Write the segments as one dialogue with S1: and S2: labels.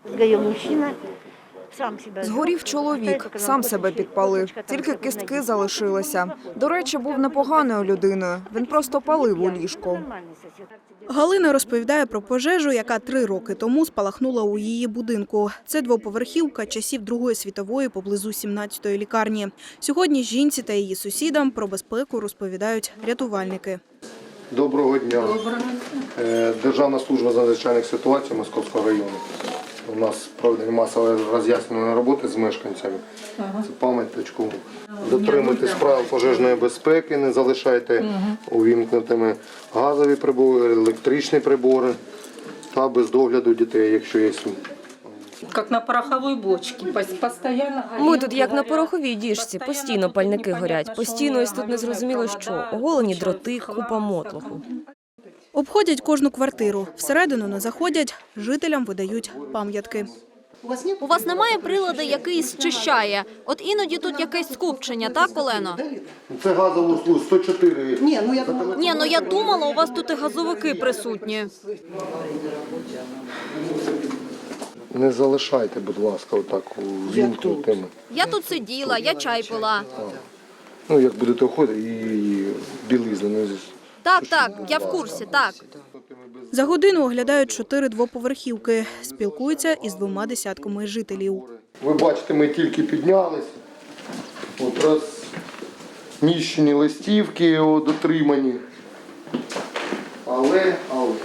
S1: Згорів чоловік, сам себе підпалив. Тільки кістки залишилися. До речі, був непоганою людиною. Він просто палив у ліжку.
S2: Галина розповідає про пожежу, яка 3 роки тому спалахнула у її будинку. Це двоповерхівка часів Другої світової поблизу 17-ї лікарні. Сьогодні жінці та її сусідам про безпеку розповідають рятувальники.
S3: Доброго дня. Державна служба з надзвичайних ситуацій Московського району. У нас проведені масові роз'яснювальні роботи з мешканцями. Це пам'яточку. Дотримуйтесь правил пожежної безпеки, не залишайте увімкнутими газові прибори, електричні прибори та без догляду дітей, якщо є.
S4: Як на пороховій бочці, постійно.
S5: Ми тут як на пороховій діжці, постійно пальники горять, постійно ось тут незрозуміло що, оголені дроти, купа мотлоху.
S2: Обходять кожну квартиру. Всередину не заходять, жителям видають пам'ятки.
S6: У вас немає приладу, який зчищає? От іноді тут якесь скупчення, так, Олено?
S3: Це газову службу 104.
S6: Ні, ну я думала, у вас тут і газовики присутні.
S3: Не залишайте, будь ласка, отак увімкнутими.
S6: Я тут сиділа, я чай пила.
S3: Ну, як будете виходити, і білизна.
S6: Так, я в курсі, так.
S2: За годину оглядають 4 двоповерхівки. Спілкуються із 2 десятками жителів.
S3: Ви бачите, ми тільки піднялись. От розміщені листівки дотримані. Але.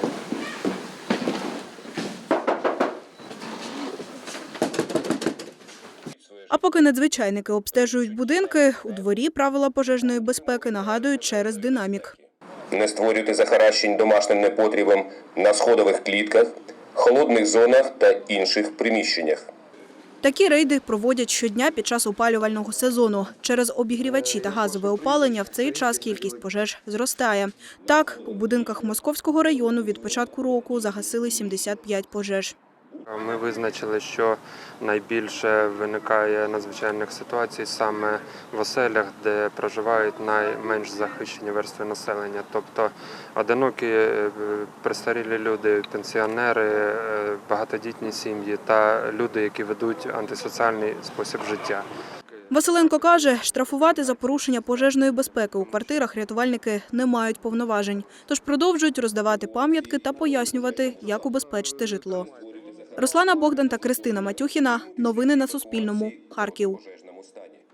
S2: А поки надзвичайники обстежують будинки, у дворі правила пожежної безпеки нагадують через динамік.
S7: Не створюйте захаращень домашнім непотрібом на сходових клітках, холодних зонах та інших приміщеннях.
S2: Такі рейди проводять щодня під час опалювального сезону. Через обігрівачі та газове опалення в цей час кількість пожеж зростає. Так, у будинках Московського району від початку року загасили 75 пожеж.
S8: Ми визначили, що найбільше виникає надзвичайних ситуацій саме в оселях, де проживають найменш захищені верстви населення. Тобто одинокі престарілі люди, пенсіонери, багатодітні сім'ї та люди, які ведуть антисоціальний спосіб життя.
S2: Василенко каже, штрафувати за порушення пожежної безпеки у квартирах рятувальники не мають повноважень. Тож продовжують роздавати пам'ятки та пояснювати, як убезпечити житло. Руслана Богдан та Кристина Матюхіна. Новини на Суспільному. Харків.